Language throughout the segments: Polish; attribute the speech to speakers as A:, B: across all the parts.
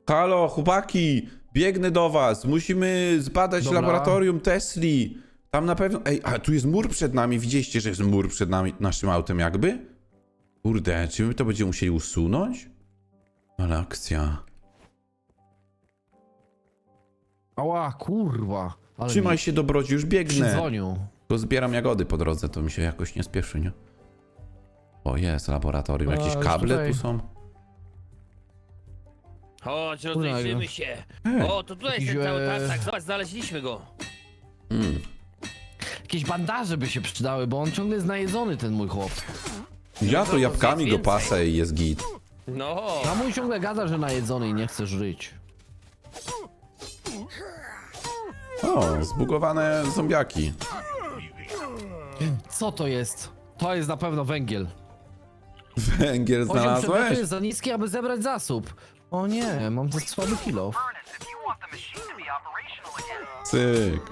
A: Halo, chłopaki, biegnę do was. Musimy zbadać
B: Dobra.
A: laboratorium Tesli. Tam na pewno... Ej, a tu jest mur przed nami. Widzieliście, że jest mur przed nami, naszym autem jakby? Kurde, czy my to będziemy musieli usunąć? Ale akcja.
B: Ała, kurwa. Ale
A: Trzymaj się, dobrodzi, już biegnę.
B: przydzwonił.
A: Tylko zbieram jagody po drodze, to mi się jakoś nie spieszy, nie? O, jest laboratorium.
B: A,
A: Jakieś
B: już
A: kable
B: tutaj.
A: tu są?
C: Chodź, rozejrzymy się. O, to tutaj jest ten
B: Jakiś,
C: cały tartak. Zobacz, znaleźliśmy go.
B: Jakieś bandaże by się przydały, bo on ciągle jest najedzony, ten mój chłop.
A: Ja to jabłkami go
C: więcej.
A: pasę i jest git.
C: No.
B: A mój ciągle gada, że najedzony i nie chce żyć.
A: O, zbugowane zombiaki.
B: Co to jest? To jest na pewno węgiel.
A: Węgiel
B: Poziom przedmiotu
A: znalazłeś?
B: jest za niski, aby zebrać zasób. O nie, mam to słaby kilo.
D: Furnace if you want the machine to be operational again.
A: Cyk.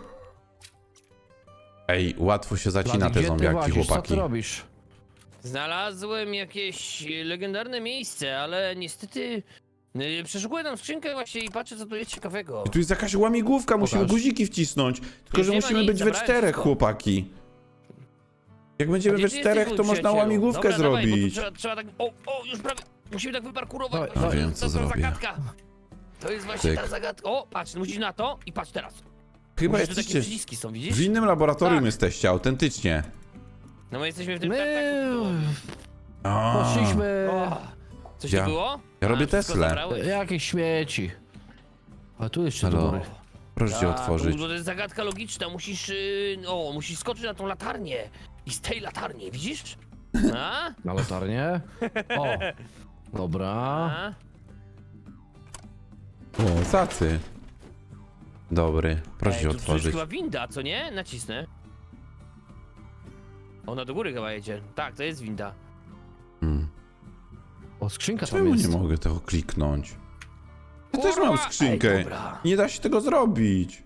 A: Ej, łatwo się zacina
B: Blady,
A: te
B: gdzie ty
A: zombiaki,
B: łazisz? Co
A: chłopaki.
B: ty robisz?
C: Znalazłem jakieś legendarne miejsce, ale niestety przeszukuję tam skrzynkę właśnie i patrzę, co tu jest ciekawego.
A: Tu jest jakaś łamigłówka, musimy
B: Pokaż.
A: guziki wcisnąć. Tylko,
C: Już
A: że
C: nie ma
A: musimy
C: nic,
A: być we
C: zabrałem
A: czterech,
C: wszystko.
A: chłopaki. Jak będziemy
C: Gdzie
A: we
C: ty
A: czterech,
C: jesteś,
A: to
C: mój
A: można
C: przyjacielu?
A: łamigłówkę
C: Dobra, dawaj, bo tu
A: zrobić.
C: trzeba tak... O, już prawie... Musimy tak wyparkurować.
B: Dawaj,
C: właśnie,
B: dawaj.
A: Wiem, co
C: to
A: zrobię.
C: zagadka. To jest właśnie
A: Cyk.
C: ta zagadka. O, patrz, musisz na to i patrz teraz.
A: Chyba
C: Musisz, tu takie
A: jesteście...
C: przyciski są, widzisz?
A: W innym laboratorium
C: Tak.
A: jesteście, autentycznie.
C: No my jesteśmy w tym
B: My
C: tartaku.
B: poszliśmy...
C: O, coś
A: Ja-
C: tu było?
A: ja robię
C: wszystko
A: Teslę.
C: zabrałeś?
B: Jakieś śmieci. A tu jeszcze do
A: Halo?
B: góry.
A: Proszę cię
C: Tak,
A: otworzyć.
C: To jest zagadka logiczna, musisz, musisz skoczyć na tą latarnię. I z tej latarni, widzisz? A?
B: Na latarnię. O. Dobra.
C: A?
A: O, zacy. Dobry, proszę
C: Ej,
A: cię
C: tu jest
A: otworzyć.
C: chyba winda, co nie? Nacisnę. Ona do góry chyba jedzie. Tak, to jest winda.
B: O, skrzynka tam
A: Czemu
B: jest.
A: nie mogę tego kliknąć? Ja też
C: Kurwa!
A: mam skrzynkę.
C: Ej, dobra.
A: Nie da się tego zrobić.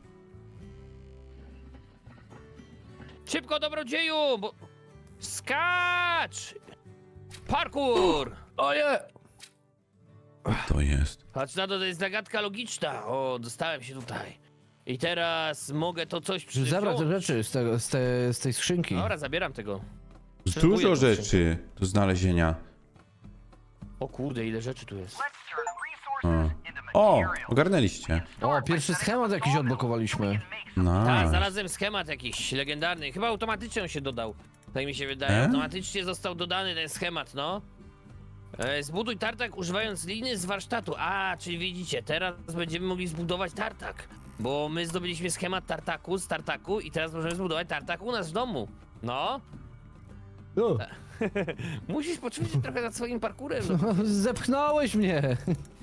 C: Szybko, dobrodzieju, bo... Skacz! Parkour!
B: Oje!
A: To jest.
C: Patrz na to, to jest zagadka logiczna. O, dostałem się tutaj. I teraz mogę to coś
B: Zabrać te
C: wziąć.
B: rzeczy z tej skrzynki.
C: Dobra, zabieram tego.
A: Dużo
C: Potrzebuję tą
A: rzeczy do znalezienia.
C: O kurde, ile rzeczy tu jest.
D: Let's turn resources into
A: O,
D: material.
A: ogarnęliście.
B: O, pierwszy schemat jakiś odblokowaliśmy.
C: Tak,
A: Nice.
C: znalazłem schemat jakiś legendarny. Chyba automatycznie on się dodał. Tak mi się wydaje. Automatycznie został dodany ten schemat, no. Zbuduj tartak używając liny z warsztatu. A, czyli widzicie, teraz będziemy mogli zbudować tartak. Bo my zdobyliśmy schemat tartaku z tartaku i teraz możemy zbudować tartak u nas w domu. No.
B: O,
C: Musisz poczuć się trochę nad swoim parkurem. No.
B: zepchnąłeś mnie.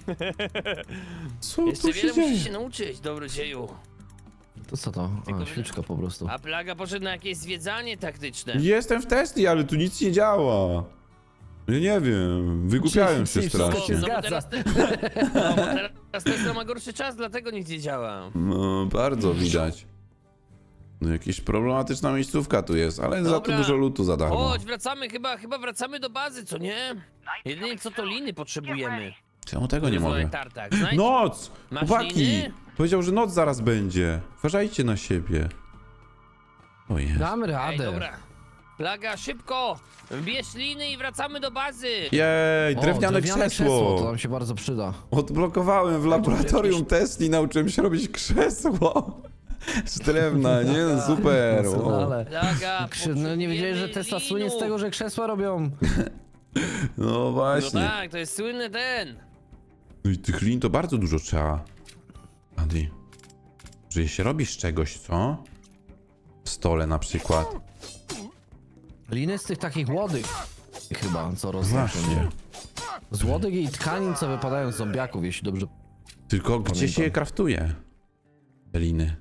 A: Co
C: Jeszcze
A: tu się
C: wiele musisz się
A: dzieje?
C: nauczyć, dobrodzieju.
B: To co to?
C: Tylko
B: A, świeczka po prostu.
C: A plaga poszedł na jakieś zwiedzanie taktyczne.
A: Jestem w Tesli, ale tu nic nie działa. Ja nie wiem, wygłupiałem się
B: Czyli wszystko
A: strasznie.
B: się
C: No bo
B: zgadza.
C: no, bo teraz Tesla ma gorszy czas, dlatego nic nie działa.
A: No, bardzo widać. No, jakaś problematyczna miejscówka tu jest, ale za to
C: Dobra.
A: dużo lutu za darmo.
C: Chodź, wracamy, chyba wracamy do bazy, co nie? Jedynie co to liny potrzebujemy.
A: Czemu tego nie
C: Żeby
A: mogę?
C: zdobyć Tartak. Znajdź...
A: Noc!
C: Masz
A: Chłopaki!
C: liny?
A: Powiedział, że noc zaraz będzie. Uważajcie na siebie. O jest.
B: Damy
C: Ej,
B: radę.
C: dobra. Plaga, szybko! Bierz liny i wracamy do bazy!
A: Jej,
B: O,
A: drewniane
B: To
A: krzesło.
B: nam się bardzo przyda.
A: Odblokowałem w laboratorium Tesli, nauczyłem się robić krzesło. Z drewna, nie? No, super. O.
B: Doskonale.
C: Plaga,
B: No nie wiedziałeś, że
C: potrzebujemy
B: Tesla słynie z
C: linu.
B: tego, że krzesła robią.
A: No
C: No
A: właśnie.
C: tak, to jest słynny ten.
A: No i tych lin to bardzo dużo trzeba. Adi. Że się robi z czegoś, co? W stole na przykład.
B: Liny z tych takich łodych. Chyba, co roznoszą.
A: Właśnie.
B: Z łodych i tkanin, co wypadają z zombiaków, jeśli dobrze...
A: Tylko gdzie się je kraftuje? Te liny.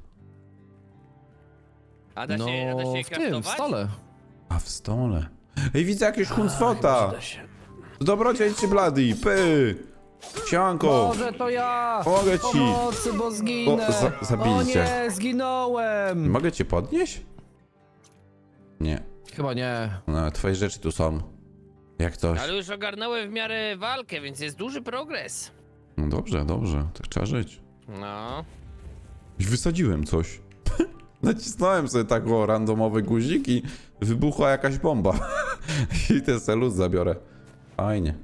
C: A da
B: No,
C: się, a da się je
B: w tym, w
C: kraftować?
B: stole.
A: A w stole. Ej, widzę jakiegoś huncwota.
C: Da się.
A: Dobrodziej czy blady? Py! Sianko!
B: Może to ja!
A: Pomogę ci.
B: Pomocy, bo zginę!
A: O, zabili
B: o
A: cię.
B: nie, zginąłem!
A: Mogę cię podnieść? Nie.
B: Chyba nie.
A: No, twoje rzeczy tu są. Jak coś.
C: Ale już ogarnąłem w miarę walkę, więc jest duży progres.
A: No dobrze, dobrze, tak trzeba żyć.
C: No.
A: I wysadziłem coś. Nacisnąłem sobie tak o randomowy guzik i wybuchła jakaś bomba. I ten selus zabiorę. Fajnie.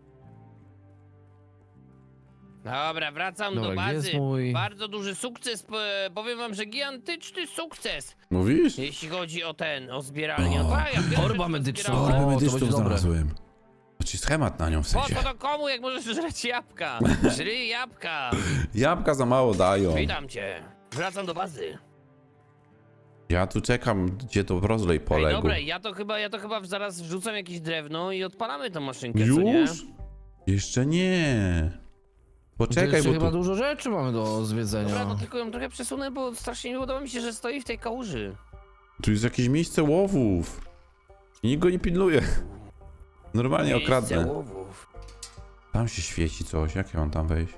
C: Dobra, wracam
B: Dobra,
C: do
B: gdzie
C: bazy.
B: jest mój-
C: Bardzo duży sukces, powiem wam, że gigantyczny sukces,
A: Mówisz?
C: jeśli chodzi o o zbieralnię.
A: O.
C: No tak, ja wiele
B: Torba
C: rzeczy
B: medyczna.
C: pozbierałem.
B: O, to będzie dobre.
A: Znaczy schemat na nią w
C: Po
A: sensie.
C: co to komu, jak możesz żreć jabłka? Żryj jabłka.
A: Jabłka za mało dają.
C: Witam cię. Wracam do bazy.
A: Ja tu czekam, gdzie to rozlej
C: Ej,
A: poległ.
C: dobra, ja to chyba zaraz wrzucam jakieś drewno i odpalamy tą maszynkę, co nie?
A: Już? Jeszcze nie. Poczekaj,
B: Jeszcze
A: bo
B: chyba
A: tu...
B: dużo rzeczy mamy do zwiedzenia.
C: Dobra, no tylko ją trochę przesunę, bo strasznie nie podoba mi się, że stoi w tej kałuży.
A: Tu jest jakieś miejsce łowów. I nikt go nie pilnuje. Normalnie
C: Miejsce
A: okradnę.
C: łowów.
A: Tam się świeci coś, jak ja mam tam wejść?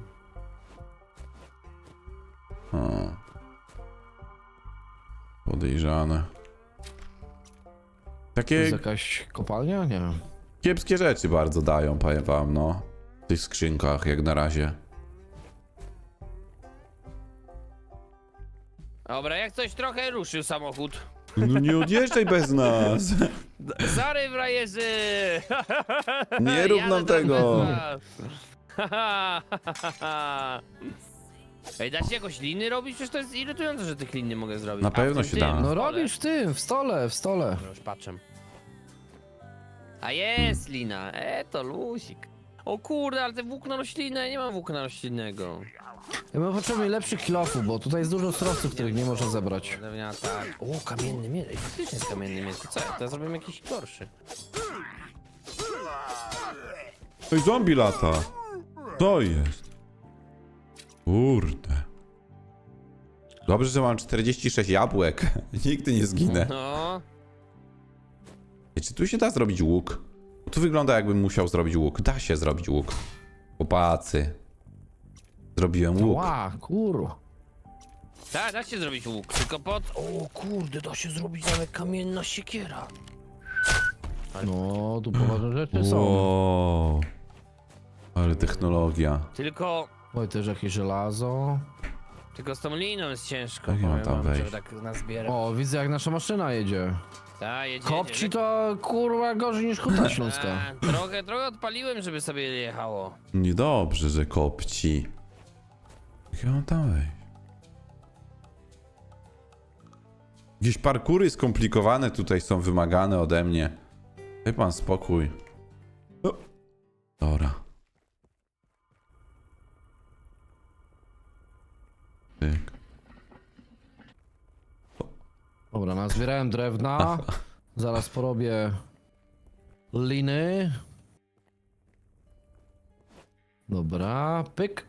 A: O. Podejrzane.
B: To
A: Takie
B: jest jakaś kopalnia? Nie wiem.
A: kiepskie rzeczy bardzo dają, powiem wam, no. W tych skrzynkach, jak na razie.
C: Dobra, jak coś trochę ruszył samochód.
A: No nie odjeżdżaj bez nas.
C: Sorry, frajerzy!
A: Nie rób
C: Jadę
A: nam
C: tam
A: tego.
C: bez was. Ej, da się jakoś liny robić? Przecież to jest irytujące, że tych lin nie mogę zrobić.
A: Na
C: A, w
A: pewno
C: tym,
A: się da.
C: tym,
B: No
C: w stole.
B: robisz w tym, w stole, w stole.
C: No już patrzę. A jest lina, to lusik. O kurde, ale te włókno roślinne, nie mam włókna roślinnego.
B: Ja bym potrzebował lepszych kilofów, bo tutaj jest dużo surowców, których nie można zebrać.
C: Drewniana, tak. O, kamienny miecz. Ej, faktycznie jest kamienny miecz. To co? To ja zrobię jakiś gorszy.
A: Oj, zombie lata. To jest. Kurde. Dobrze, że mam 46 jabłek. Nigdy nie zginę.
C: No.
A: Ej, czy tu się da zrobić łuk? Bo tu wygląda, jakbym musiał zrobić łuk. Da się zrobić łuk. Chłopacy. Zrobiłem łuk.
B: Ła, kurwa.
C: Tak, da się zrobić łuk, tylko pod... O kurde, da się zrobić nawet kamienna siekiera.
B: No, tu poważne rzeczy są.
A: Wow. Ale technologia.
C: Tylko...
B: Oj, też jakieś żelazo.
C: Tylko z tą liną jest ciężko,
A: Jak ja mam
C: powiem
A: tam
C: wam, żeby
A: wejść?
C: tak nazbierać.
B: O, widzę jak nasza maszyna jedzie.
C: Ta, jedzie,
B: Kopci
C: jedzie.
B: to kurwa gorzej niż huta śląska.
C: Trochę odpaliłem, żeby sobie jechało.
A: Niedobrze, że kopci. Jak ja mam tam wejść? Jakieś parkury skomplikowane tutaj są wymagane ode mnie. Daj pan spokój. O. Dobra. Tyk.
B: Dobra, nazbierałem drewna. Zaraz porobię liny. Dobra, pyk.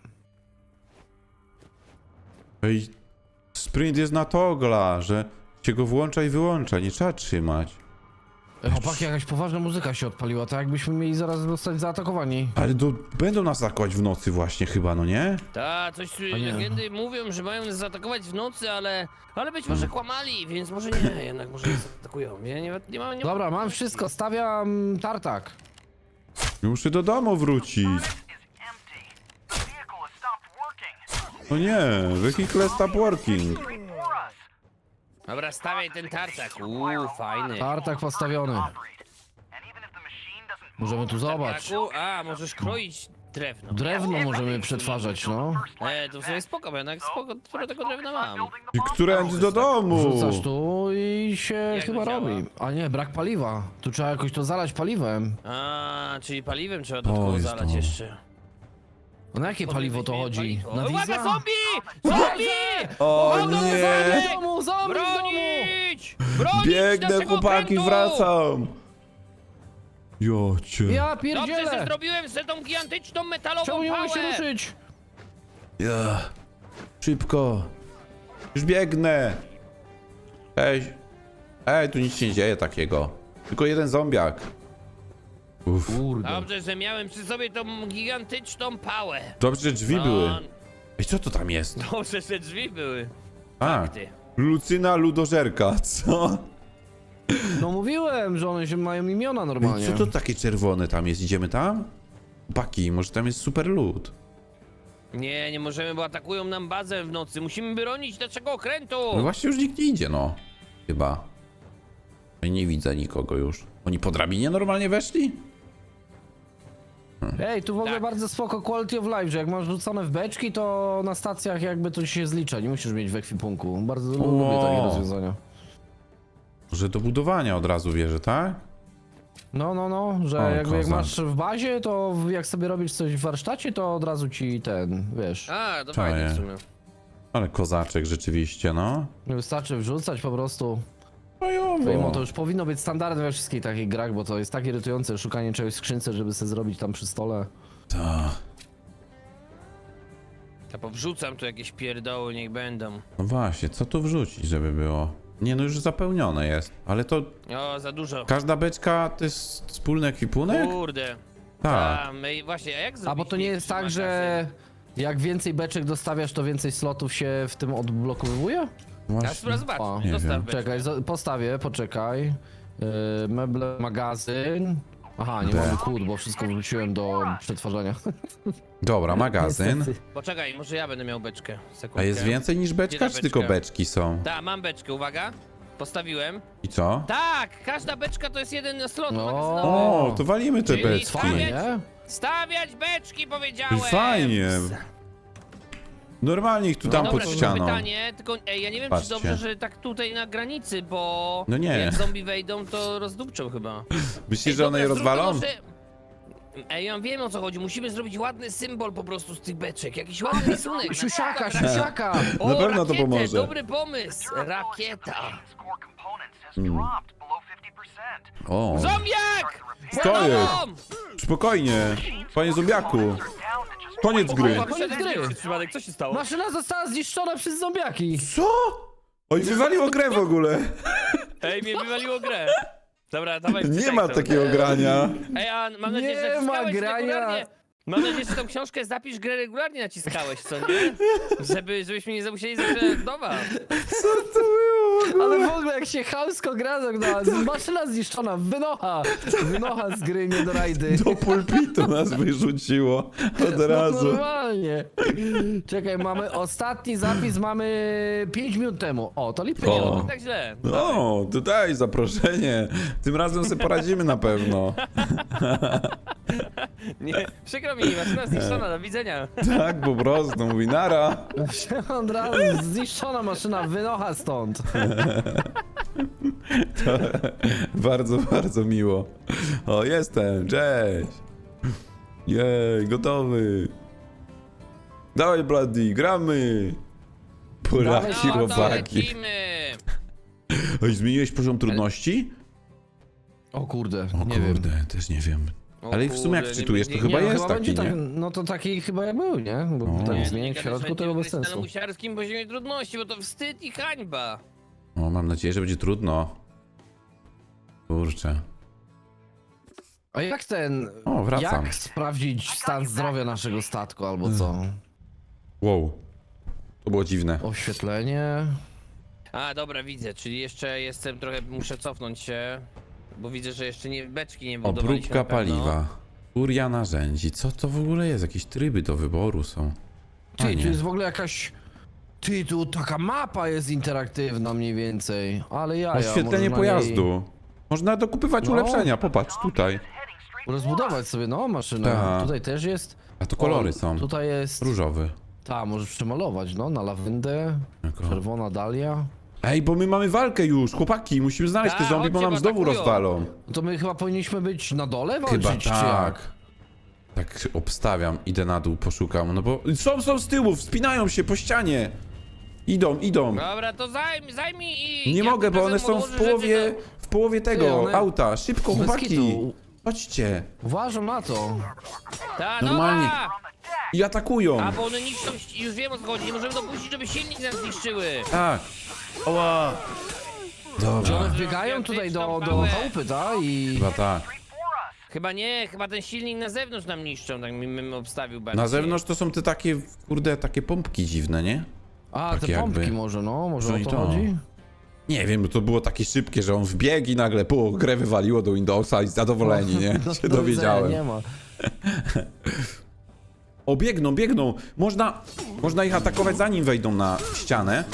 A: Ej, sprint jest na togla, że się go włącza i wyłącza, nie trzeba trzymać.
B: Chłopaki, jakaś poważna muzyka się odpaliła, tak jakbyśmy mieli zaraz zostać zaatakowani.
A: Ale będą nas atakować w nocy właśnie chyba, no nie?
C: Ta, coś tu
B: A nie.
C: legendy mówią, że mają nas zaatakować w nocy, ale być może kłamali, więc może nie, jednak może nas atakują. Nie mam...
B: Dobra, mam wszystko, stawiam tartak.
A: Muszę do domu wrócić.
D: is empty. The vehicle has stopped working.
A: No nie, vehicle stop working.
D: For us.
C: Dobra, stawiaj ten tartak. Fajny.
B: Tartak postawiony.
D: Operate. And even if the machine doesn't
B: Możemy tu zobacz.
C: Tartaku? A, możesz kroić drewno.
B: Drewno możemy przetwarzać, no.
C: To w sumie spoko, bo jednak sporo tego drewna mam.
A: I którędy do domu?
B: Wrzucasz tu i się
C: Jak
B: chyba
C: to działa?
B: robi. A nie, brak paliwa. Tu trzeba jakoś to zalać paliwem.
C: A, czyli paliwem trzeba dodatkowo
A: jest
C: zalać
A: to.
C: jeszcze.
B: No na jakie paliwo to chodzi? Na
C: Uwaga,
B: diesla?
C: zombie! Zombie!
A: O
B: Zombie
A: nie!
B: w domu, zombie w domu!
C: Bronić! Bronić
A: Biegnę,
C: naszego
A: chłopaki,
C: okrętu!
A: wracam! Jocie.
B: Ja
C: Dobrze, że
B: pierdzielę!
C: zrobiłem sobie tą gigantyczną metalową
B: Czemu nie mogę się
C: pałę!
B: ruszyć?
A: Ja. Szybko. Już biegnę. Ej, tu nic się nie dzieje takiego. Tylko jeden zombiak. Uff.
B: Kurde.
C: Dobrze, że miałem przy sobie tą gigantyczną pałę.
A: Dobrze, że drzwi były.
C: No,
A: Ej, co to tam jest?
C: dobrze, że drzwi były.
A: A,
C: Ty.
A: Lucyna Ludożerka, co?
B: No mówiłem, że one się mają imiona
A: Ej,
B: normalnie.
A: co to takie czerwone tam jest? Idziemy tam? Chłopaki, może tam jest super loot.
C: Nie, nie możemy, bo atakują nam bazę w nocy. Musimy bronić naszego okrętu.
A: No właśnie już nikt nie idzie, no. Chyba. No i nie widzę nikogo już. Oni po drabinie normalnie weszli?
B: Ej, tu w ogóle
C: Tak.
B: bardzo spoko quality of life, że jak masz rzucone w beczki, to na stacjach jakby to się zlicza, nie musisz mieć w ekwipunku. Bardzo lubię takie rozwiązania.
A: Że do budowania od razu bierze, tak?
B: No, że
A: O,
B: jakby jak
A: kozak.
B: masz w bazie, to jak sobie robisz coś w warsztacie, to od razu ci ten, wiesz,
C: A, to
A: Czaję.
C: fajnie w sumie.
A: Ale kozaczek rzeczywiście, no.
B: nie wystarczy wrzucać po prostu.
A: Fajowo.
B: Mimo to już powinno być standardem we wszystkich takich grach, bo to jest tak irytujące szukanie czegoś w skrzynce, żeby sobie zrobić tam przy stole.
A: Ta.
C: Ja powrzucam tu jakieś pierdoły, niech będą.
A: No właśnie, co tu wrzucić, żeby było? Nie, no już zapełnione jest. Ale to
C: O, za dużo.
A: każda beczka to jest wspólny ekwipunek?
C: Kurde.
A: Tak.
C: A, my właśnie, a jak zrobić
B: A bo to nie jest tak,
C: magazyn?
B: że jak więcej beczek dostawiasz, to więcej slotów się w tym odblokowuje?
C: A
A: Właśnie.
C: spróbuj zobacz,
B: O,
A: nie
C: dostaw
A: wiem.
C: beczkę.
B: Czekaj, postawię, poczekaj. Meble, magazyn. Aha, nie
A: B.
B: mamy kłód, bo wszystko wrzuciłem do przetwarzania.
A: Dobra, magazyn.
B: Niestety.
C: Poczekaj, może ja będę miał beczkę. Sekundkę.
A: A jest więcej niż beczka,
C: Gdzie ta
A: czy tylko
C: beczka?
A: beczki są?
C: Tak, mam beczkę, uwaga. Postawiłem.
A: I co?
C: Tak, każda beczka to jest jeden slot
B: No.
C: magazynowy.
A: O, to walimy te
C: Czyli
A: beczki.
C: stawiać-
B: Nie?
C: Stawiać beczki, powiedziałem!
A: Fajnie. Normalnie ich tu dam
C: Dobra,
A: pod
C: tylko
A: ścianą.
C: pytanie, tylko ja nie wiem,
A: Patrzcie.
C: czy dobrze, że tak tutaj na granicy, bo
A: No nie.
C: jak zombie wejdą, to rozdupczą chyba.
A: Myślisz, że one je
C: Dobra, zróbmy
A: rozwalą?
C: może- Ej, ja wiem o co chodzi, musimy zrobić ładny symbol po prostu z tych beczek, jakiś ładny rysunek.
B: Siusiaka,
C: Na przykład
B: siusiaka!
C: O,
A: Na pewno to
C: rakietę,
A: pomoże.
C: dobry pomysł, rakieta.
D: Score components has dropped below 50%.
A: O,
C: Zombiak!
A: Co jest?
C: Dom!
A: spokojnie. Panie zombiaku.
D: They're down to just
A: Koniec gry.
C: O,
B: Koniec gry.
C: Przypadek, co się stało?
B: Maszyna została zniszczona przez zombiaki!
A: Co? Oj, wywaliło grę w ogóle.
C: Ej, mnie wywaliło grę. Dobra, dawaj
A: Nie
C: wczytaj
A: ma
C: to.
A: takiego grania.
C: Ej, a mam nadzieję,
B: Nie
C: że
B: ma
C: naciskałeś
B: grania.
C: regularnie. Mam nadzieję, że tą książkę zapisz, grę regularnie naciskałeś, co nie? Żebyśmy nie musieli zaczynać od nowa.
A: Co to było?
B: Ale w ogóle jak się chamsko gra, maszyna zniszczona, wynocha z gry, nie do rajdy.
A: Do pulpitu nas wyrzuciło od
B: No
A: razu.
B: normalnie. Czekaj, mamy ostatni zapis, mamy 5 minut temu. O, to lipy nie
A: O.
B: robią.
C: Tak źle.
A: No, tutaj zaproszenie. Tym razem sobie poradzimy na pewno.
C: Nie, przykro mi, maszyna zniszczona, do widzenia.
A: Tak, po prostu. Mówi nara.
B: Od razu zniszczona maszyna, wynocha stąd.
A: Bardzo, bardzo miło. O, jestem. Cześć. Jej, gotowy. Dawaj, Bloody, gramy. Polaki,
C: No to
A: robaki.
C: lecimy.
A: Oj, zmieniłeś poziom trudności?
B: O kurde,
A: O
B: nie
A: kurde,
B: wiem.
A: też nie wiem.
C: O
A: Ale w sumie jak
C: kurde,
A: wczytujesz, to
C: nie-
A: chyba
B: Nie, no,
A: jest
B: chyba
A: taki,
B: będzie
A: nie?
B: tak, no to taki chyba jak był, nie? Bo
A: O.
B: tak
A: Nie,
B: zmieniać w środku to bez
C: Na
B: sensu.
C: musiarskim poziomie trudności, bo to wstyd i hańba.
A: O, mam nadzieję, że będzie trudno. Kurczę.
B: A jak ten...
A: O, wracam.
B: Jak sprawdzić stan zdrowia naszego statku albo co?
A: Wow. To było dziwne.
B: Oświetlenie...
C: A, dobra, widzę, czyli jeszcze jestem trochę, muszę cofnąć się, bo widzę, że jeszcze nie, beczki nie budowaliśmy
A: Obróbka
C: na pewno.
A: paliwa. Furia narzędzi. Co to w ogóle jest? Jakieś tryby do wyboru są.
B: Ty, tu
A: Fajnie.
B: jest w ogóle jakaś... Ty, tu taka mapa jest interaktywna mniej więcej. Ale ja
A: Oświetlenie pojazdu. Można dokupywać
B: No.
A: ulepszenia. Popatrz, tutaj.
B: Rozbudować sobie, no, maszynę.
A: Tak.
B: Tutaj też jest...
A: A to kolory
B: O,
A: są.
B: Tutaj jest...
A: Różowy.
B: Ta, możesz przemalować, no, na lawendę.
A: Jako-
B: Czerwona dalia.
A: Ej, bo my mamy walkę już, chłopaki. Musimy znaleźć te
C: Tak,
A: zombie, bo
C: chodźcie,
A: nam
C: bo
A: znowu
C: atakują.
A: rozwalą.
B: No to my chyba powinniśmy być na dole walczyć,
A: Chyba
B: czy
A: tak.
B: jak?
A: Tak obstawiam, idę na dół, poszukam. No bo są z tyłu, wspinają się po ścianie. Idą.
C: Dobra, to zajmij i...
A: Nie
C: ja
A: mogę, bo
C: pokażę
A: one są
C: mu
A: w
C: rzeczy,
A: połowie, w połowie tego
B: one-
A: auta. Szybko,
B: Bez
A: chłopaki.
B: kitu.
A: Chodźcie.
B: Uważam na to.
C: Ta,
A: Normalnie.
C: Dobra!
A: I atakują.
C: A, bo one niszczą, już wiem o co chodzi, nie możemy dopuścić, żeby silnik nas zniszczyły.
A: Tak. Oła.
B: Czy
A: Dobra.
B: one wbiegają tutaj do chałupy, tak? I...
A: Chyba tak.
C: Chyba nie, chyba ten silnik na zewnątrz nam niszczą, tak mi obstawił bardziej.
A: Na zewnątrz to są te takie, kurde, takie pompki dziwne, nie?
B: A,
A: Tak
B: te
A: jakby.
B: pompki może, no, może
A: No
B: o
A: i
B: to
A: to.
B: chodzi?
A: Nie wiem, bo to było takie szybkie, że on wbiegł i nagle grę wywaliło do Windowsa i zadowoleni, nie?
B: No,
A: Się
B: do
A: dowiedziałem.
B: widzenia, nie ma.
A: O, biegną, biegną. Można ich atakować zanim wejdą na ścianę.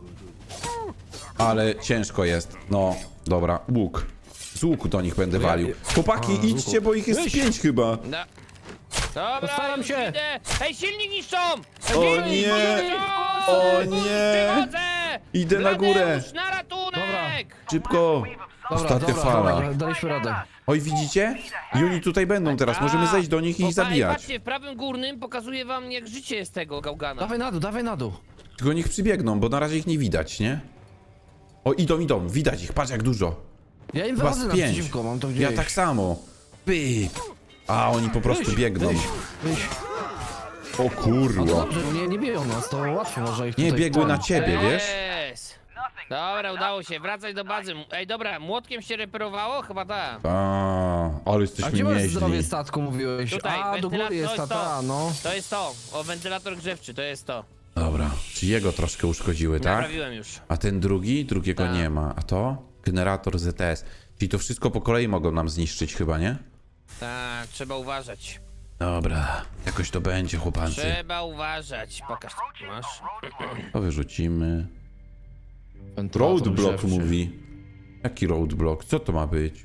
A: Ale ciężko jest. No, dobra, łuk. Z łuku do nich będę walił. Chłopaki, idźcie, bo ich jest 5 chyba.
C: No. Dobra,
B: Postaram
C: już
B: się.
C: idę. Hej, silnik niszczą!
A: O
C: Silnik
A: nie!
C: niszczą!
A: O nie!
C: Przychodzę!
A: Idę na górę.
C: Bladeusz, na ratunek!
A: Szybko.
B: Dobra,
A: Ostatnia fala.
B: dobra, daliśmy radę.
A: Oj, widzicie? I oni tutaj będą teraz. Możemy zejść do nich i ich zabijać.
C: Patrzcie, w prawym górnym pokazuje wam, jak życie jest tego gałgana.
B: Dawaj na dół, dawaj na dół.
A: Tylko niech przybiegną, bo na razie ich nie widać, nie? O, idą. Widać ich. Patrz jak dużo.
B: Ja im
A: Chyba
B: wychodzę
A: z 5.
B: naprzeciwko, mam to gdzieś.
A: Ja tak samo. Pyk. A oni po prostu biegną.
B: Wyjść.
A: O
B: No
A: kurwa.
B: dobrze, nie biją nas, to łatwo może ich
A: Nie,
B: tutaj...
A: biegły na ciebie, wiesz?
C: Yes. Dobra, udało się, wracać do bazy. Ej, dobra, młotkiem się reperowało? Chyba tak.
A: A, ale
B: A
A: jesteśmy
B: gdzie masz zdrowie
A: nieźli.
B: statku, mówiłeś?
C: Tutaj,
B: A, do góry
C: wentylator,
B: jest
C: to jest
B: ta,
C: to.
B: no.
C: To jest to. O, wentylator grzewczy, to jest to.
A: Dobra, czy jego troszkę uszkodziły, tak?
C: Naprawiłem już.
A: A ten drugiego
C: Tak.
A: nie ma. A to? Generator ZTS. Czyli to wszystko po kolei mogą nam zniszczyć chyba, nie?
C: Tak, trzeba uważać.
A: Dobra, jakoś to będzie, chłopancy.
C: Trzeba uważać. Pokaż, co tu masz.
A: To wyrzucimy.
B: Wentylator
A: Roadblock
B: grzewczy.
A: mówi. Jaki roadblock? Co to ma być?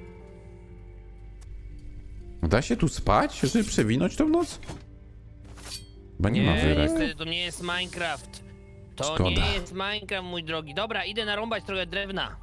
A: Da się tu spać, żeby przewinąć tą noc? Chyba nie, ma
C: Nie,
A: wyrek.
C: niestety to nie jest Minecraft. To
A: Szkoda.
C: nie jest Minecraft, mój drogi. Dobra, idę narąbać trochę drewna.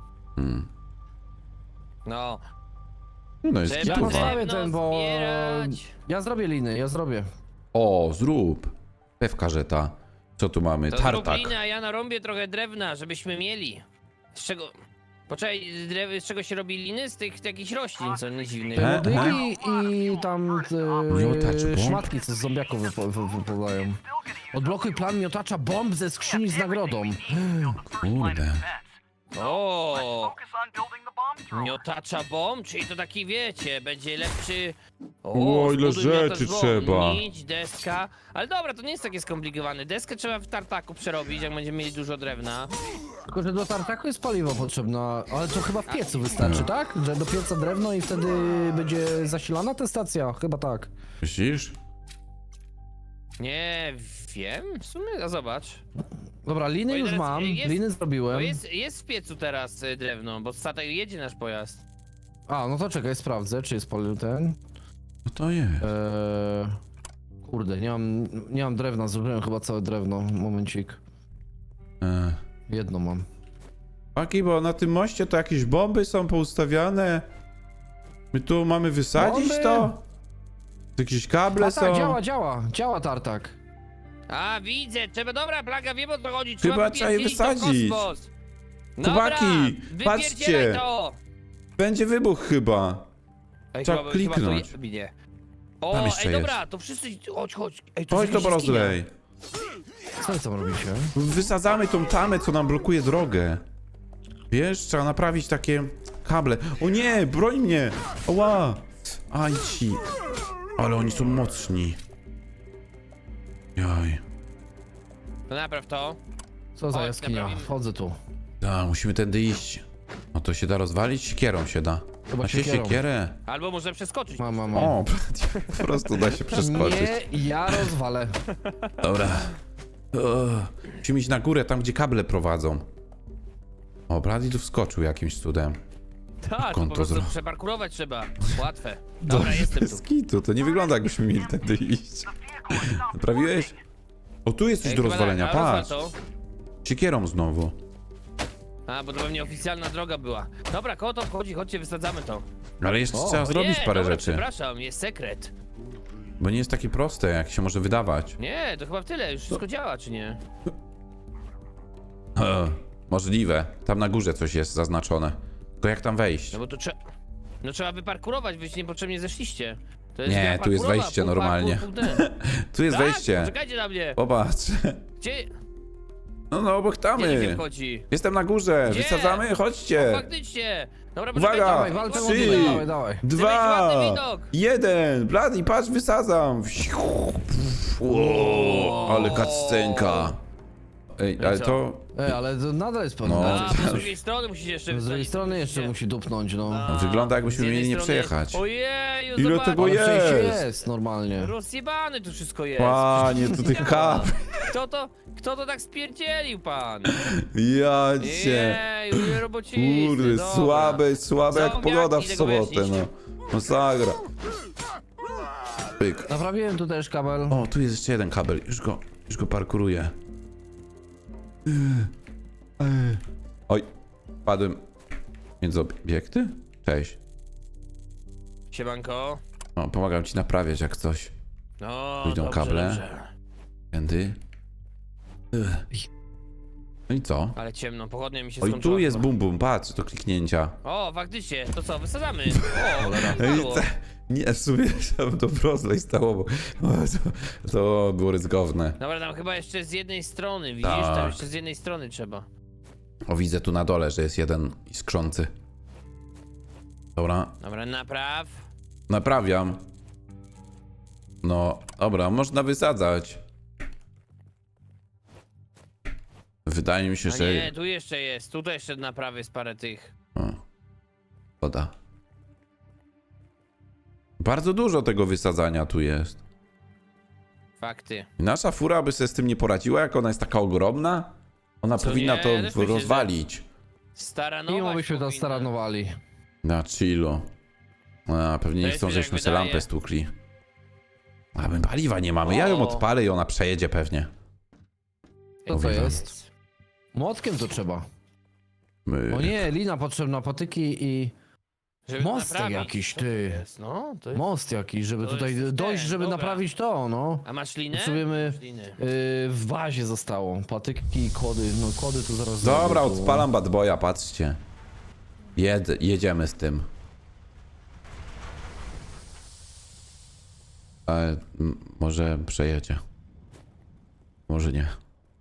C: No,
A: No jest
C: trzeba
B: Ja
A: gituwa.
B: postawię
C: drewno
B: ten, bo...
C: zbierać.
B: Ja zrobię liny, ja zrobię.
A: O, zrób. Pewka żeta. Co tu mamy?
C: To zrób
A: Tartak.
C: linę, a ja narąbię trochę drewna, żebyśmy mieli. Z czego... Poczekaj, z czego się robi liny? Z tych jakichś roślin, co nie dziwnych.
B: Modyki i tam
A: Miotacz bomb?
B: szmatki, co z zombiaków wypadają. Odblokuj plan miotacza bomb ze skrzyni z nagrodą.
A: Kurde.
C: O,
D: Focus on building the bomb thrower.
C: miotacza bomb, czyli to taki wiecie, będzie lepszy...
A: O, ile
C: zbuduj miotacz
A: rzeczy
C: bomb.
A: trzeba.
C: Nić, deska. Ale dobra, to nie jest takie skomplikowane. Deskę trzeba w tartaku przerobić, jak będziemy mieli dużo drewna.
B: Tylko, że do tartaku jest paliwo potrzebne, ale to chyba w piecu wystarczy, tak? Że do pieca drewno i wtedy będzie zasilana ta stacja? Chyba tak.
A: Myślisz?
C: Nie wiem, w sumie, a zobacz.
B: Dobra, liny
C: Bo
B: już
C: teraz
B: mam,
C: jest-
B: liny
C: Bo
B: zrobiłem.
C: jest w piecu teraz drewno, bo statek jedzie nasz pojazd.
B: A, no to czekaj, sprawdzę, czy jest palił ten.
A: No to jest.
B: Kurde, nie mam drewna, zrobiłem chyba całe drewno. Momencik. Jedno mam.
A: Paki, bo na tym moście to jakieś bomby są poustawiane. My tu mamy wysadzić
B: Bomby?
A: to? Tu jakieś kable
B: A tak,
A: są?
B: działa tartak.
C: A, widzę, trzeba, dobra, plaga, wiem o co chodzi, trzeba
A: Chyba trzeba je
C: wypierdzielić to w
A: wysadzić.
C: kosmos.
A: Chłopaki,
C: Dobra,
A: patrzcie.
C: wypierdzielaj to!
A: Będzie wybuch chyba.
C: Ej,
A: Trzeba
C: chyba
A: kliknąć.
C: to nie.
A: Tam
C: O,
A: jeszcze
C: ej,
A: jest.
C: dobra, to wszyscy, chodź. Ej, tu
A: Chodź to
C: jest jakaś jaskinia.
A: rozlej.
B: Co wy tam robicie?
A: Wysadzamy tą tamę, co nam blokuje drogę. Wiesz, trzeba naprawić takie kable. O nie, broń mnie! Oła! Aj ci. Ale oni są mocni. Jaj.
C: To napraw to.
B: Co za
C: Chodź,
B: jaskinia?
C: naprawimy.
B: Wchodzę tu.
A: Da, musimy tędy iść. No to się da rozwalić? Siekierą się da.
B: Chyba
A: Da się
B: siekierą.
A: siekierę?
C: Albo może przeskoczyć.
B: Mam.
A: O, po prostu da się przeskoczyć.
B: Nie, ja rozwalę.
A: Dobra. Musimy iść na górę, tam gdzie kable prowadzą. O, Brady tu wskoczył jakimś cudem.
C: Tak,
A: Jak
C: to
A: on
C: po
A: to
C: prostu
A: zrobił?
C: przeparkurować trzeba. Łatwe. Dobra, jestem tu.
A: Bez kitu, to nie wygląda jakbyśmy mieli tędy iść. Naprawiłeś? O, tu jest coś
C: Ej,
A: do
C: chyba
A: rozwalenia,
C: tak, a,
A: patrz.
C: rozwal to.
A: Siekierą znowu.
C: A, bo to pewnie oficjalna droga była. Dobra, koło to wchodzi, chodźcie, wysadzamy to.
A: Ale jeszcze
B: O,
A: trzeba
C: O
A: zrobić
C: nie,
A: parę
C: dobra,
A: rzeczy.
C: przepraszam, jest sekret.
A: Bo nie jest takie proste, jak się może wydawać.
C: Nie, to chyba w tyle, już wszystko działa, czy nie?
A: Możliwe. Tam na górze coś jest zaznaczone. Tylko jak tam wejść?
C: No bo to trzeba... No trzeba wyparkurować, wyście niepotrzebnie zeszliście. To jest
A: Nie,
C: gra
A: tu jest
C: parkurowa,
A: wejście
C: pół
A: normalnie.
C: parkour, pół ten.
A: Tu jest
C: Tak?
A: wejście.
C: Czekajcie na mnie!
A: Popatrz.
C: Gdzie...
A: No, obok
C: Gdzie się
A: tamy.
C: wchodzi?
A: Jestem na górze.
C: Gdzie?
A: Wysadzamy? Chodźcie.
C: Faktycznie! Dobra,
A: Uwaga!
B: Dawaj,
C: poczekajcie,
B: walczę o
A: Trzy.
B: dawaj, dawaj.
C: mieć
A: 2,
C: ładny widok.
A: 1. Blady, patrz, wysadzam. O, ale cutscenka. Ej,
C: No i
A: ale
C: co?
A: to...
B: Ale to nadal jest pewne.
A: No.
C: A, z drugiej strony musisz jeszcze
B: Z drugiej
C: wysadzić,
B: strony jeszcze
C: musicie-
B: musi dupnąć, no.
C: A,
A: wygląda, jakbyśmy
C: z jednej
A: mieli nie
C: strony-
A: przejechać.
C: Ojeju,
A: Ile
C: zobacz.
A: tego
B: Ale przecież
A: jest?
B: jest normalnie.
C: Rozjebany tu wszystko jest.
A: Panie, tu tych kap.
C: Kto to tak spierdzielił, pan?
A: Ja cię.
C: Jeju, ile robocicy,
A: Kurde,
C: dobra.
A: słabe jak
C: Zombiaki,
A: pogoda w
C: tego
A: sobotę,
C: wyjaśnić.
A: no. Masakra. Pyk.
B: Naprawiłem tu też kabel.
A: O, tu jest jeszcze jeden kabel, już go parkuruję. Oj, padłem między obiekty? Cześć.
C: Siemanko.
A: O, pomagam ci naprawiać jak coś.
C: No,
A: Tu idą
C: dobrze,
A: kable.
C: dobrze.
A: Tędy. No i co?
C: Ale ciemno, pochodnia mi się
A: Oj,
C: skończyła.
A: tu jest
C: chyba.
A: bum bum, patrz, do kliknięcia.
C: O, faktycznie, to co, wysadzamy. O,
A: Ej,
C: padło.
A: nie, w sumie chciałbym to rozlej stało, bo to było ryzykowne.
C: Dobra, tam chyba jeszcze z jednej strony, widzisz?
A: Tak.
C: Tam jeszcze z jednej strony trzeba.
A: O, widzę tu na dole, że jest jeden iskrzący. Dobra,
C: Dobra, napraw.
A: naprawiam. No, dobra, można wysadzać. Wydaje mi się,
C: A
A: że...
C: nie, tu jeszcze jest, tutaj jeszcze naprawy jest parę tych.
A: O, woda. Bardzo dużo tego wysadzania tu jest.
C: Fakty.
A: I nasza fura by sobie z tym nie poradziła, jak ona jest taka ogromna? Ona
C: Co
A: powinna
C: nie,
A: to
C: też myślę, że-
A: rozwalić.
C: Staranować
B: I byśmy to
C: powinna.
B: staranowali.
A: Na chillu. A, pewnie nie
C: Też
A: chcą,
C: mi tak
A: żeśmy sobie
C: wydaje.
A: lampę stukli. A my paliwa nie mamy. Ja ją
C: O.
A: odpalę i ona przejedzie pewnie.
B: Co to
A: Mówię wam.
B: jest? Młotkiem to trzeba.
A: My...
B: O nie, lina potrzebna, patyki i
C: Żeby
B: Mostek
C: naprawić.
B: jakiś,
C: Co to
B: ty.
C: jest? No, to jest...
B: most jakiś, żeby
C: To
B: tutaj
C: jest
B: dojść,
C: ten,
B: żeby
C: dobra.
B: naprawić to, no.
C: A masz linę?
B: Potrzebujemy
C: Masz linę.
B: w bazie zostało. Patyki i kłody. No kłody tu zaraz
A: Dobra,
B: zrobię, tu.
A: odpalam bad boya, patrzcie. Jedziemy z tym. Ale może przejedzie. Może nie.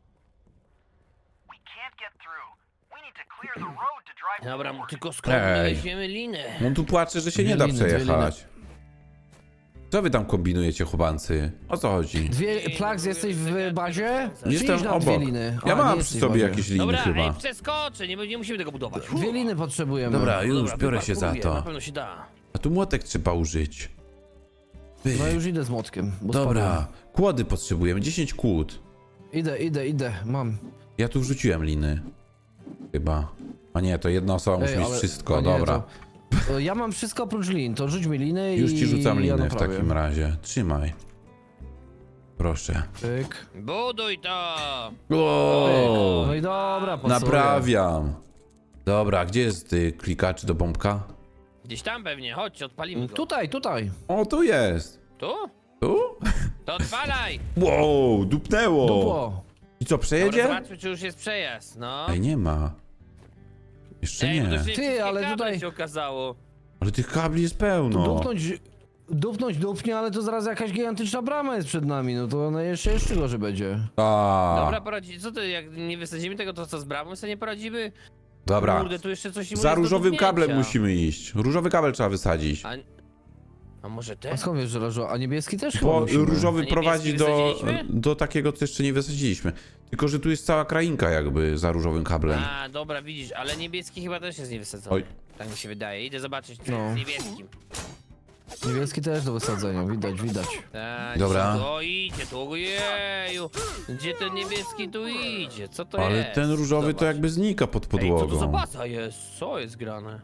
D: We can't get through. We need to clear the road to drive
C: Dobra,
D: forward.
C: tylko skąd my
A: Ej.
C: weźmiemy linę?
A: On tu płacze, że się
B: Dwie
A: nie da
B: liny, dwie
A: przejechać. Co wy tam kombinujecie, chłopancy? O co chodzi?
B: Plags, jesteś w bazie?
A: Jestem
B: Przyjdź nam dwie
A: obok.
B: liny.
A: Ja
B: A, nie
A: mam przy
B: jesteś w
A: sobie
B: bazie.
A: jakieś liny
C: Dobra,
A: chyba.
C: ej, przeskoczę, nie musimy tego budować.
B: Dwie liny potrzebujemy.
A: Dobra, już
C: Dobra,
A: biorę się za
C: wyparkuję, Na
A: to.
C: pewno się da.
A: A tu młotek trzeba użyć. Ty.
B: No już idę z młotkiem. Bo
A: Dobra, kłody potrzebujemy, 10 kłód.
B: spadłem. Idę, mam.
A: Ja tu wrzuciłem liny. Chyba. A nie, to jedna osoba musi mieć
B: ale-
A: wszystko,
B: a nie,
A: dobra.
B: to ja mam wszystko oprócz lin, to rzuć mi liny
A: Już
B: i
A: ci rzucam
B: ja
A: liny w
B: naprawię.
A: takim razie. Trzymaj. Proszę.
B: Pyk.
C: Buduj to!
A: O,
B: No i dobra, pasuję.
A: naprawiam. Dobra, gdzie jest klikacz do bombka?
C: Gdzieś tam pewnie, chodź, odpalimy go.
B: Tutaj.
A: O, tu jest.
C: Tu?
A: Tu?
C: To odpalaj!
A: Wow, dupnęło.
B: Dupło.
A: I co,
C: Dobra,
A: przejedzie?
C: zobaczmy, czy już jest przejazd, no.
A: Ej, nie ma. Jeszcze
C: Ej, bo to
A: nie.
C: już wszystkie
B: ale
C: kable
B: tutaj-
C: się okazało.
A: Ale tych kabli jest pełno.
B: Dupnie, ale to zaraz jakaś gigantyczna brama jest przed nami, no to ona jeszcze gorzej będzie.
C: Dobra, poradzi. Co to, jak nie wysadzimy tego, to co z bramą sobie nie poradzimy?
A: Dobra.
C: Kurde, tu jeszcze coś
A: Za różowym kablem
C: musimy.
A: musimy iść. Różowy kabel trzeba wysadzić.
C: A może
B: A
C: ten?
B: skąd wiesz, że leżą? A niebieski też chyba
A: Bo
B: musimy.
A: różowy
C: A
A: prowadzi
C: niebieski wysadziliśmy?
A: do takiego, co jeszcze nie wysadziliśmy. Tylko, że tu jest cała krainka jakby za różowym kablem.
C: A, dobra, widzisz, ale niebieski chyba też jest niewysadzony.
A: Oj.
C: Tak mi się wydaje. Idę zobaczyć, co
B: No.
C: jest z niebieskim.
B: Niebieski też do wysadzenia, widać.
C: Tak,
A: Dobra.
C: O, idzie tu, ojeju. Gdzie ten niebieski tu idzie? Co to
A: Ale
C: jest?
A: ten różowy to
C: Zobacz.
A: jakby znika pod
C: Ej, co to
A: podłogą.
C: za baza jest? Co jest grane?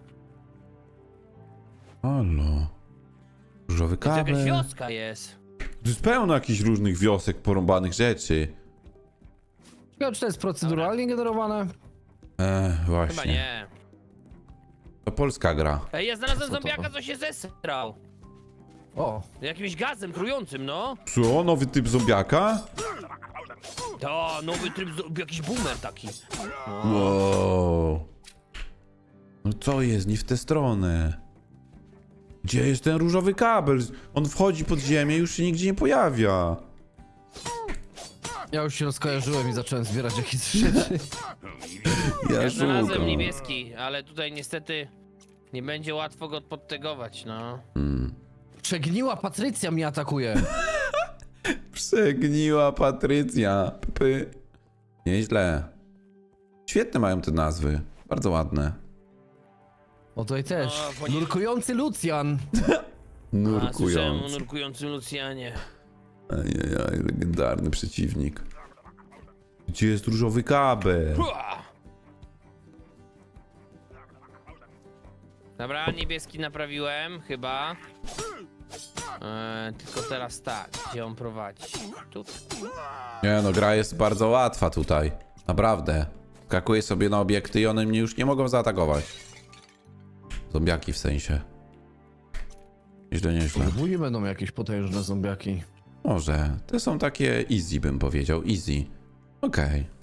A: Halo. Różowy
C: To jakaś
A: kabel.
C: wioska jest.
A: Tu jest pełno jakichś różnych wiosek, porąbanych rzeczy.
B: Ciekawe, czy to jest proceduralnie generowane?
A: Właśnie.
C: Chyba nie.
A: To polska gra.
C: Ej, ja znalazłem
B: Co to?
C: zombiaka, co się zesrał.
B: O,
C: Jakimś gazem trującym, no.
A: Co? Nowy typ zombiaka?
C: To nowy tryb, jakiś boomer taki. No.
A: Wow. No co jest? Nie w tę stronę. Gdzie jest ten różowy kabel? On wchodzi pod ziemię i już się nigdzie nie pojawia.
B: ja już się rozkojarzyłem i zacząłem zbierać jakieś rzeczy.
C: Ja znalazłem
A: szukam.
C: niebieski, ale tutaj niestety nie będzie łatwo go podtegować, no.
B: Przegniła Patrycja mnie atakuje.
A: Przegniła Patrycja. Py. Nieźle. Świetne mają te nazwy. Bardzo ładne.
B: O tutaj też.
C: O, po nie-
B: Nurkujący Lucjan.
C: A, słyszałem o
A: Nurkujący.
C: nurkującym Lucjanie.
A: Ajajaj, legendarny przeciwnik. Gdzie jest różowy kabel?
C: Hua! Dobra, niebieski naprawiłem, chyba. Tylko teraz tak, gdzie on prowadzi? Tu.
A: Nie no, gra jest bardzo łatwa tutaj. Naprawdę. Skakuję sobie na obiekty i one mnie już nie mogą zaatakować. Zombiaki w sensie. Nieźle, nieźle.
B: Później będą jakieś potężne zombiaki.
A: Może. Te są takie easy, bym powiedział. Easy. Okej.